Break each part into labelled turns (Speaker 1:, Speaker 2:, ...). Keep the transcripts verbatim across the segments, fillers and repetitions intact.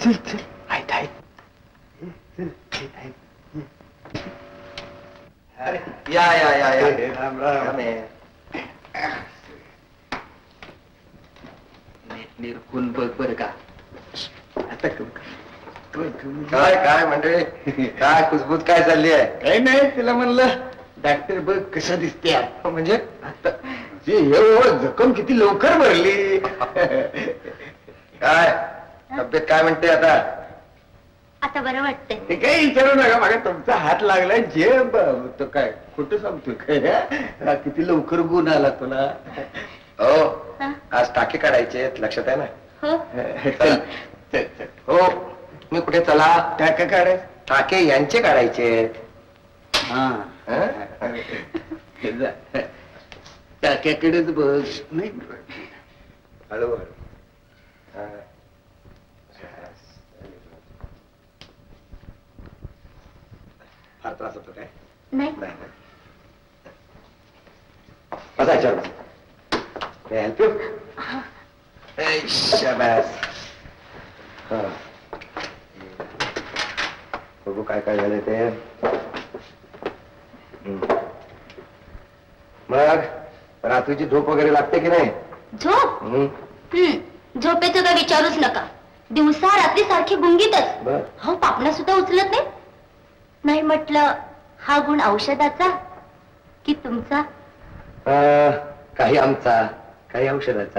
Speaker 1: चल चल आहेत आहेत चल आहेत
Speaker 2: या या या या
Speaker 1: राम राम
Speaker 2: निरखून बघ बर का.
Speaker 1: आता
Speaker 2: काय काय म्हणजे काय कुजबूज काय चालली आहे?
Speaker 1: काही नाही तिला म्हणलं डॉक्टर बघ कसं दिसते
Speaker 2: म्हणजे
Speaker 1: आता जे हे जखम किती लवकर भरली.
Speaker 2: काय तब्येत काय म्हणते आता?
Speaker 3: आता बरं वाटतंय.
Speaker 1: ते काही विचारू नका मागा तुमचा हात लागला जे तो काय खोटं सांगतोय काय किती लवकर गुण आला तुला.
Speaker 2: हो आज टाके काढायचे लक्षात आहे ना.
Speaker 3: हो
Speaker 1: चल चल चल
Speaker 2: हो मी कुठे चला
Speaker 1: टाका काढाय
Speaker 2: टाके यांचे काढायचे.
Speaker 1: हा टाक्याकडेच बस नाही
Speaker 2: हळूहळू फार त्रास होतो काय?
Speaker 3: नाही
Speaker 2: नाही बसा याच्यावर हेल्प यू. शाबास. हा बघू काय काय झालंय ते. मग रात्रीची झोप वगैरे लागते की नाही?
Speaker 3: झोप
Speaker 2: हम्म.
Speaker 3: हम्म झोपेचं काय विचारूच नका. दिवसा रात्री सारखी गुंगीतच.
Speaker 2: बर
Speaker 3: हो पापणा सुद्धा उचलत नाही. नाही म्हटलं हा गुण औषधाचा की तुमचा?
Speaker 2: अं, काही आमचा काही औषधाचा.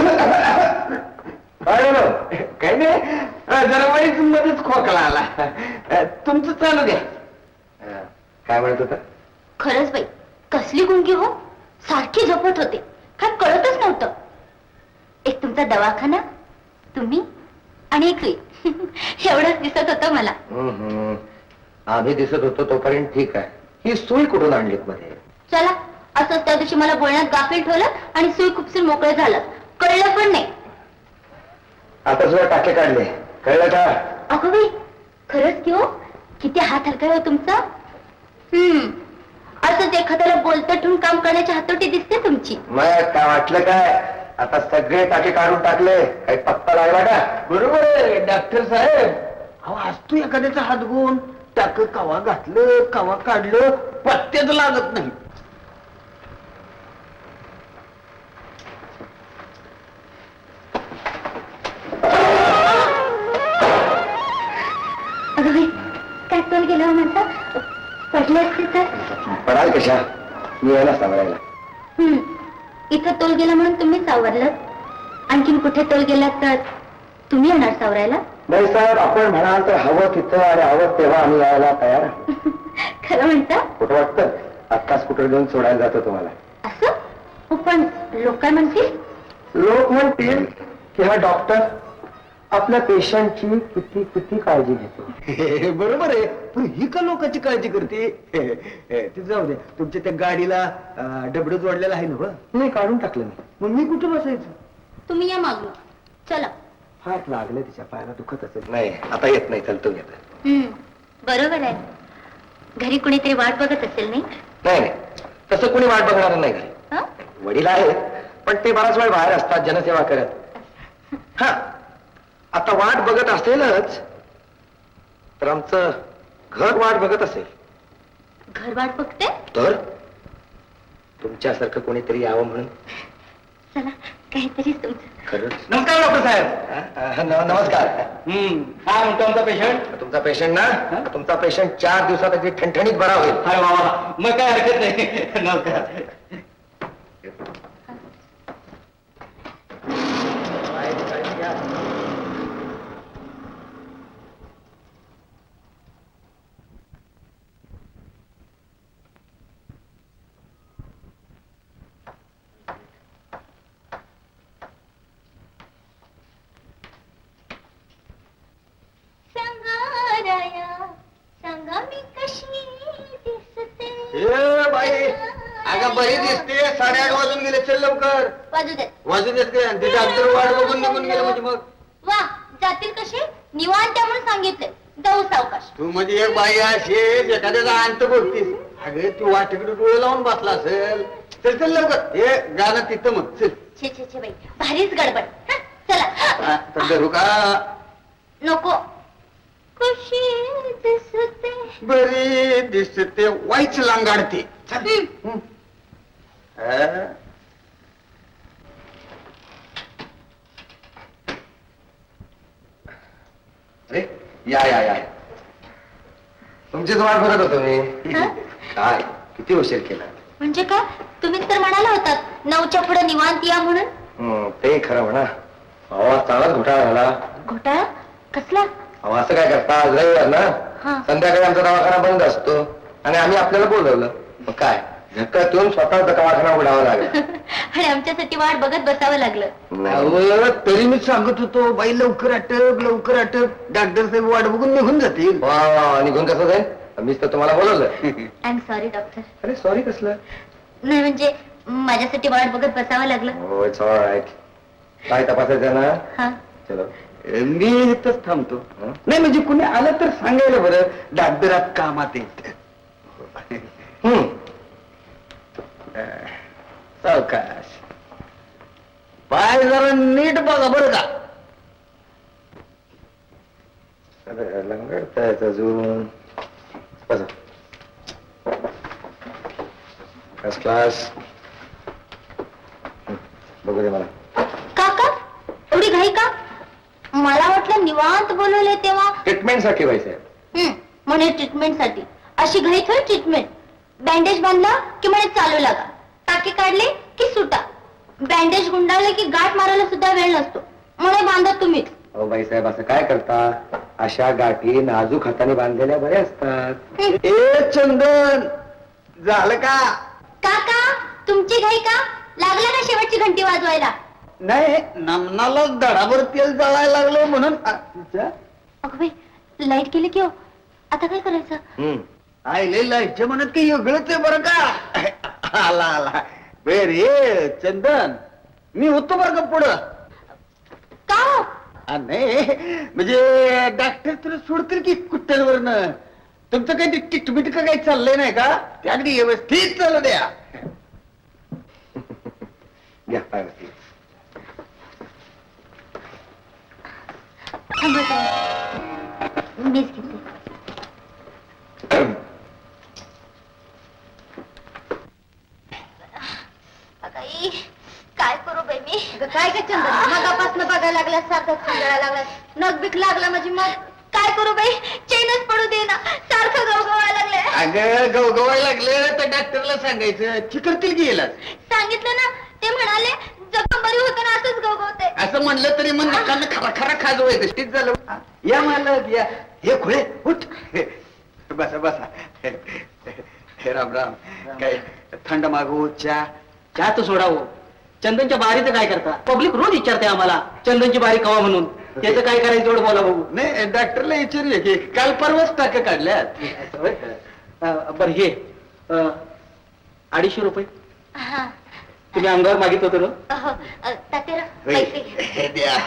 Speaker 1: काही नाही जरा वाईट मध्येच खोकला आला. तुमचं चालू द्या.
Speaker 2: अं, काय म्हणत होता?
Speaker 3: खरंच बाई कसली गुंगी हो. सारखी झोपत होते काय कळतच नव्हतं. एक तुमचा दवाखाना तुम्ही आणि एक एवढंच दिसत होतं मला.
Speaker 2: हम्म. आम्ही दिसत होतो तोपर्यंत ठीक आहे. ही सुई कुठून आणलीत मध्ये?
Speaker 3: चला असंच त्या दिवशी मला बोलण्यात गाफील ठेवलं आणि सुई खुपसून मोकळं झालं. कळलं पण नाही.
Speaker 2: आता सुद्धा टाके काढले कळलं का?
Speaker 3: अगं बाई खरंच की हो. किती हात हलका हो तुमचा. हम्म असंच एखाद्याला बोलतं ठेवून काम करण्याची हातोटी दिसते तुमची.
Speaker 2: मग काय वाटलं काय? आता सगळे टाके काढून टाकले काही पत्ता लागला का?
Speaker 1: बरोबर आहे डॉक्टर साहेब. अहो असतो एखाद्याचा हात गुण टाक कवा घातलं कवा काढलं पत्त्याच लागत नाही.
Speaker 3: अगं बाई काय तोल गेला म्हणता. पडले असते तर.
Speaker 2: पडाल कशा? मी यायला सांगायला.
Speaker 3: हम्म इथं तोल गेला म्हणून तुम्ही सावरलं. आणखीन कुठे तोल गेला तर तुम्ही येणार सावरायला.
Speaker 2: नाही साहेब आपण म्हणाल तर हवं तिथं आणि हवं तेव्हा आम्ही यायला तयार.
Speaker 3: खरं म्हणता.
Speaker 2: कुठं वाटतं आत्ता स्कूटर घेऊन सोडायला जातो तुम्हाला.
Speaker 3: असं हो पण लोक काय म्हणतील?
Speaker 2: लोक म्हणतील की हा डॉक्टर आपल्या पेशंटची किती किती काळजी घेतो.
Speaker 1: बरोबर आहे पण ही का लोकांची काळजी करते. ते जाऊ दे तुमच्या त्या गाडीला डबड जोडलेला आहे ना.
Speaker 2: नाही काढून टाकलं मी.
Speaker 1: मग मी कुठं बसायचं?
Speaker 3: तुम्ही या मागून. चला.
Speaker 1: फार लागलं तिच्या पायाला दुखत असेल.
Speaker 2: नाही आता येत नाही चलतो घेत.
Speaker 3: हम्म बरोबर आहे. घरी कुणीतरी वाट बघत असेल नाही?
Speaker 2: नाही नाही तसं कोणी वाट बघणार नाही घरी.
Speaker 3: हं?
Speaker 2: वडील आहेत पण ते बराच वेळ बाहेर असतात जनसेवा करत. हा आता वाट बघत असेलच तर आमचं घर वाट बघत असेल.
Speaker 3: घर वाट बघते.
Speaker 2: तर तुमच्यासारखं कोणीतरी यावं म्हणून.
Speaker 3: चला काहीतरीच तुमचं.
Speaker 2: खरंच.
Speaker 1: नमस्कार डॉक्टर साहेब.
Speaker 2: न- नमस्कार.
Speaker 1: हम्म काय म्हणतो आमचा पेशंट?
Speaker 2: तुमचा पेशंट ना तुमचा पेशंट चार दिवसात अगदी ठणठणीत बरा होईल.
Speaker 1: अरे बाबा मग काय हरकत नाही. नमस्कार.
Speaker 3: सांगा मी कशी दिसते.
Speaker 1: ए बाई अगं बरी दिसते. साडेआठ वाजून गेले. चल लवकर.
Speaker 3: वाजू दे.
Speaker 1: वाजू देत काय? ते डॉक्टर वाट बघून निघून गेले म्हणजे मग.
Speaker 3: वा जातील कसे निवांत म्हणून सांगितले. जाऊ सावकाश.
Speaker 1: तू म्हणजे एक बाई असेल एखाद्याचा अंत बघतीस. अगं तू वाटेकडे डोळे लावून बसला असेल. चल चल लवकर. हे गाणं तिथं मग चल.
Speaker 3: छे छे छे बाई भारीच गडबड. हं, चला.
Speaker 1: तर धरू का?
Speaker 3: नको. कशी दिसते.
Speaker 1: बरी दिसते, वाईच लांगाडते. चल. हं. हा?
Speaker 2: अरे या या या तुमचीच वाट बघत होतो मी.
Speaker 3: हं?
Speaker 2: काय किती उशीर केला.
Speaker 3: म्हणजे काय, तुम्हीच तर म्हणाला होतात नऊच्या पुढे निवांत या म्हणून.
Speaker 2: हं, ते खरं म्हणा. अहो चांगलाच घोटाळा झाला.
Speaker 3: घोटाळा कसला?
Speaker 2: अहो असं काय करता, आज रविवार ना,
Speaker 3: हा.
Speaker 2: संध्याकाळी आमचा दवाखाना बंद असतो आणि आम्ही आपल्याला बोलवलं. मग काय झक्कातून स्वतःचा दवाखाना उघडावा लागला.
Speaker 3: आणि आमच्यासाठी वाट बघत बसावं लागलं.
Speaker 1: अहो, तरी मी सांगत होतो बाई लवकर आटप लवकर आटप, डॉक्टर साहेब वाट बघून निघून जातील.
Speaker 2: वा वा, निघून कसं जाईल, मीच तर तुम्हाला बोलवलं.
Speaker 3: I am sorry doctor.
Speaker 2: अरे सॉरी कसलं.
Speaker 3: नाही म्हणजे माझ्यासाठी वाट बघत बसावं लागलं.
Speaker 2: हो इट्स ऑल राईट. काय तपासायचं ना.
Speaker 3: हा.
Speaker 2: चलो.
Speaker 1: मी इथंच थांबतो.
Speaker 2: हं?
Speaker 1: नाही म्हणजे कुणी आलं तर सांगायला बरं, डॉक्टरात कामात येत.
Speaker 2: हम्म.
Speaker 1: सावकाश, पाय जरा नीट बघा बरं का.
Speaker 2: अरे लंगडतायच अजून. बसा. First class. बघू दे मला.
Speaker 3: काका एवढी घाई का? मला वाटलं निवांत बोलवले तेव्हा.
Speaker 2: ट्रीटमेंट साठी व्हायचंय.
Speaker 3: हम्म, म्हणे ट्रीटमेंट साठी. अशी घाई थोडी ट्रीटमेंट. बँडेज बांधला की म्हणे चालू लागा, टाके काढले की सुटा, बँडेज गुंडाळले की गाठ मारायला सुद्धा वेळ नसतो, म्हणे बांधा तुम्हीच.
Speaker 2: अहो बाईसाहेब असं काय करता, अशा गाठी नाजूक हाताने बांधलेल्या बऱ्या असतात.
Speaker 1: ए चंदन, झालं का?
Speaker 3: काका तुमची घाई का? लागला का शेवटची घंटी वाजवायला?
Speaker 1: नाही, नमनाला दडाभर तेल जळायला लागलं म्हणून. आ, तिच्या?
Speaker 3: अगं बाई, लाईट गेली की हो, आता काय करायचं?
Speaker 2: हम्म.
Speaker 1: आईले लाईटच्या म्हणत काही वेगळंच आहे बरं का. आला आला. रे चंदन, मी होतो बरं का पुढं.
Speaker 3: का हो?
Speaker 1: आ, नाही म्हणजे डॉक्टर तुला सोडतील की कुट्ट्यांवरनं. तुमचं काही टिकमिट का काही चाललंय नाही का? ते अगदी व्यवस्थित चालू द्या.
Speaker 2: घ्या पायवरती.
Speaker 3: थांबा थांबा. मीच घेते. अगाई, काय करू बाई मी? काय काय चंदन, मगापासून बघायला लागला, सारखं खंडाळा लागला, नग बिक लागला माझी. मग काय करू बाई, चैनच पडू दे ना, सारखं गवगवायला लागले.
Speaker 1: अगं गवगवायला लागलं तर डॉक्टरला सांगायचं, चिकरतील गेला.
Speaker 3: सांगितलं ना, ते म्हणाले जखम बरी होते ना, असंच गवगवते.
Speaker 1: असं म्हणलं तरी मग नकानं खरा खरा खाजवायचं. तीच झालं. या मालक या. हे खुळे उठ. बसा बसा. हे राम राम. काय थंड मागू, चहा?
Speaker 4: चहा तर सोडावं. चंदनच्या बारीचं काय करता? पब्लिक रोज विचारते आम्हाला चंदनची बारी कवा म्हणून. त्याचं काय करायचं एवढं बोला बघू.
Speaker 1: नाही डॉक्टरला विचारूया की काल परवाच टाक्या काढल्यात.
Speaker 4: अं, बरं हे अं, अडीचशे रुपये
Speaker 3: हा.
Speaker 4: तुम्ही अंगावर मागित होतो ना.
Speaker 3: अहो, अ, तात्याला पैसे घे.
Speaker 1: हे द्या.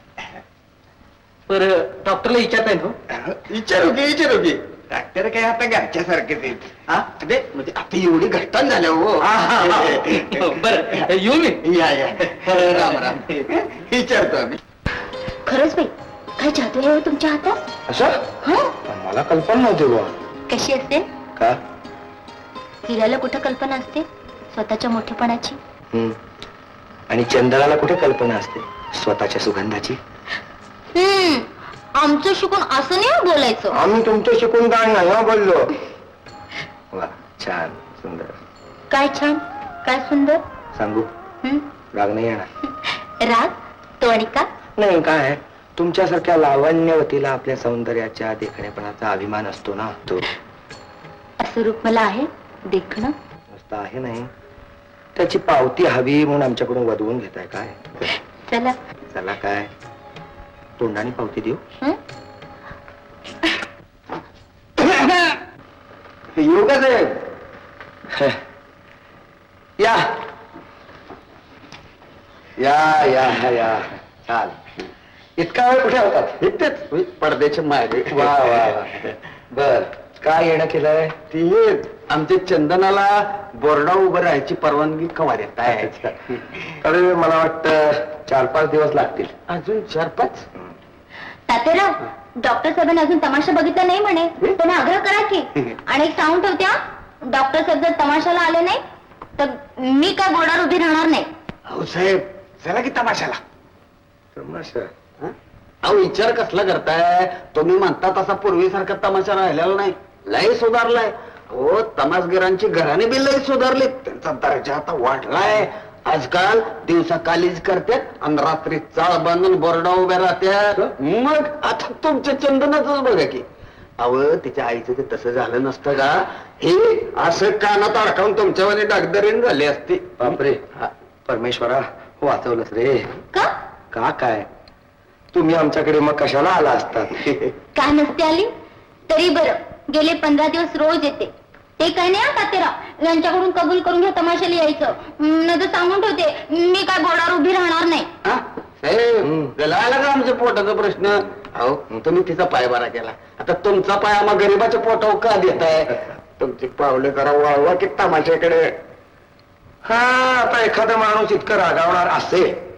Speaker 4: बरं डॉक्टरला विचारताय हो.
Speaker 1: विचारू की विचारू की. डॉक्टर काय आता घरच्यासारखेच आहेत. हा दे म्हणजे आता एवढी घटना झाल्या हो.
Speaker 4: बरं येऊ मी.
Speaker 1: या या. राम राम. विचारतो आम्ही.
Speaker 3: खरंच बाई, काय जादू आहे हो तुमच्या हातात?
Speaker 2: असं
Speaker 3: हं?
Speaker 2: मला कल्पना नव्हती बुवा.
Speaker 3: कशी असते?
Speaker 2: का?
Speaker 3: हिऱ्याला कुठं कल्पना असते स्वतःच्या मोठेपणाची?
Speaker 2: हम्म. आणि चंदनाला कुठे कल्पना असते स्वतःच्या सुगंधाची?
Speaker 3: हम्म, आमचं शिकून असं नाही हो बोलायचं.
Speaker 2: आम्ही तुमचं शिकून काय नाही हं बोललो. वा छान सुंदर.
Speaker 3: काय छान, काय सुंदर.
Speaker 2: सांगू
Speaker 3: हं?
Speaker 2: राग नाही येणार.
Speaker 3: राग तो आणि का?
Speaker 2: नाही काय, तुमच्यासारख्या लावण्यवतीला आपल्या सौंदर्याच्या देखणेपणाचा अभिमान असतो ना. तो
Speaker 3: असं रूप मला आहे देखणं.
Speaker 2: नुसतं आहे नाही, त्याची पावती हवी म्हणून आमच्याकडून वधवून घेताय काय?
Speaker 3: चला.
Speaker 2: चला काय, तोंडाने पावती देऊ?
Speaker 3: हं?
Speaker 1: येऊ का साहेब?
Speaker 2: या या या या चाल. इतका वेळ कुठे होतात?
Speaker 1: इथेच पडद्याच्या मागे.
Speaker 2: वा वा वा. बर काय येणं केलंय?
Speaker 1: ती आमच्या चंदनाला बोर्डावर उभं राहायची परवानगी कवा देताय?
Speaker 2: अरे मला वाटतं चार पाच दिवस लागतील.
Speaker 1: अजून चार पाच?
Speaker 3: तातेराव, डॉक्टर साहेबांनी अजून तमाशा बघितला नाही म्हणे. त्यांना आग्रह करा की. आणि एक सांगून ठेवते हा, डॉक्टर साहेब जर तमाशाला आले नाही तर मी काय बोर्डावर उभी राहणार नाही.
Speaker 1: हो साहेब, चला की तमाशाला.
Speaker 2: तमाशा
Speaker 1: हं? अहो विचार कसला करताय तुम्ही? म्हणता तसा पूर्वीसारखा तमाशा राहिलेला नाही, लय सुधारलाय. हो, तमासगिरांची घराने बी लय सुधारली, त्यांचा दर्जा आता वाढलाय. आजकाल दिवसा कालीज करतात आणि रात्री चाळ बांधून बोर्डा उभ्या राहत्यात. मग आता तुमच्या चंदनाच बघा की. अव तिच्या आईचं ते तसं झालं नसतं का? हे असं कानात अडकावून तुमच्यावानी डागदरीन झाली असती.
Speaker 2: बापरे, हा, परमेश्वरा वाचवलंस रे.
Speaker 3: का
Speaker 2: का काय तुम्ही आमच्याकडे मग कशाला आला असतात?
Speaker 3: का नसते आली तरी बरं, गेले पंधरा दिवस रोज येते. ते काय नाही हा तातेराव, यांच्याकडून कबूल करून घ्या तमाशाला यायचं. न तर सांगून ठेवते, मी काय बोर्डावर उभी राहणार नाही.
Speaker 1: हा? साहेब, त्याला आला का आमच्या पोटाचा प्रश्न? अहो तुम्ही तिचा पाय बरा केला, आता तुमचा पाय आम्हा गरीबाच्या पोटावर का देताय? तुमची पावले करा वळवा की तमाशाकडे.
Speaker 2: हा, आता एखादा माणूस इतकं रागावणार असेल